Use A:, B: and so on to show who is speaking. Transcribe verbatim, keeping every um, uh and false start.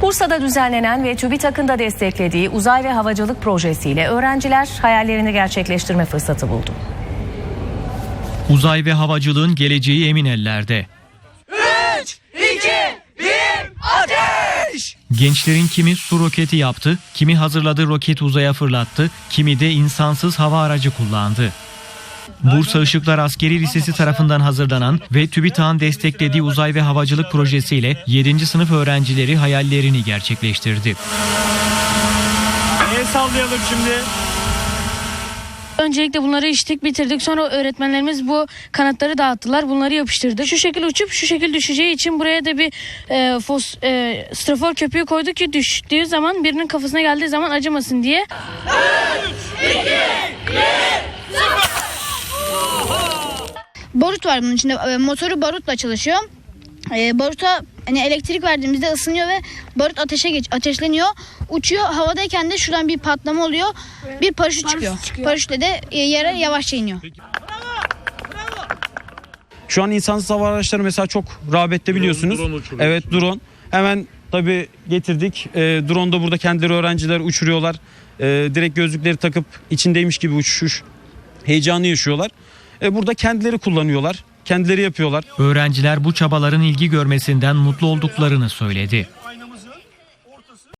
A: Bursa'da düzenlenen ve TÜBİTAK'ın da desteklediği uzay ve havacılık projesiyle öğrenciler hayallerini gerçekleştirme fırsatı buldu.
B: Uzay ve havacılığın geleceği emin ellerde.
C: üç, iki, bir, ateş!
B: Gençlerin kimi su roketi yaptı, kimi hazırladığı roketi uzaya fırlattı, kimi de insansız hava aracı kullandı. Bursa Işıklar Askeri Lisesi tarafından hazırlanan ve TÜBİTAK'ın desteklediği uzay ve havacılık projesiyle yedinci sınıf öğrencileri hayallerini gerçekleştirdi.
D: El sallayalım şimdi.
E: Öncelikle bunları içtik, bitirdik. Sonra öğretmenlerimiz bu kanatları dağıttılar. Bunları yapıştırdı. Şu şekil uçup şu şekil düşeceği için buraya da bir e, fos, e, strafor köpüğü koyduk ki düştüğü zaman birinin kafasına geldiği zaman acımasın diye.
C: üç, iki, bir,
F: Barut var bunun içinde. Motoru barutla çalışıyor. E, baruta hani elektrik verdiğimizde ısınıyor ve barut ateşe geç, ateşleniyor. Uçuyor. Havadayken de şuradan bir patlama oluyor. Bir paraşüt çıkıyor. çıkıyor. Paraşütle de yere yavaşça iniyor.
D: Şu an insansız hava araçları mesela çok rağbette biliyorsunuz.
G: Drone, drone
D: evet drone. Hemen tabii getirdik. E, drone da burada kendileri öğrenciler uçuruyorlar. E, direkt gözlükleri takıp içindeymiş gibi uçuş heyecanı yaşıyorlar. E, burada kendileri kullanıyorlar. Kendileri yapıyorlar.
B: Öğrenciler bu çabaların ilgi görmesinden mutlu olduklarını söyledi.